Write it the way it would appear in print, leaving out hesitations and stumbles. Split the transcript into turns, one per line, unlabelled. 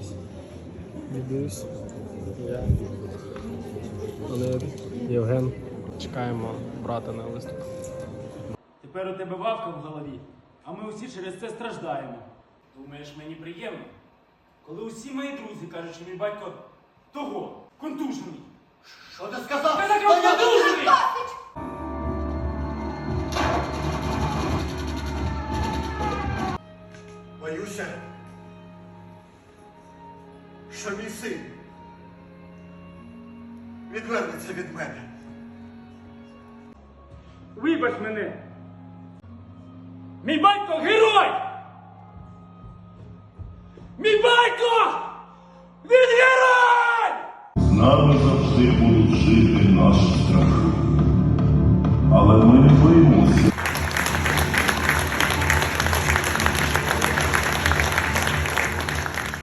Дідусь, я, Леонід, Євген. Чекаємо брата на виступ.
Тепер у тебе вавка в голові, а ми усі через це страждаємо. Думаєш, мені приємно? Коли усі мої друзі кажуть, що мій батько того, контужений.
Що ти сказав?
Ти так контужений!
Боюся, що мій син відвернеться від мене.
Вибач мене! Мій батько герой! Мій батько! Він герой!
З нами завжди будуть жити наші страхи. Але ми не боїмося.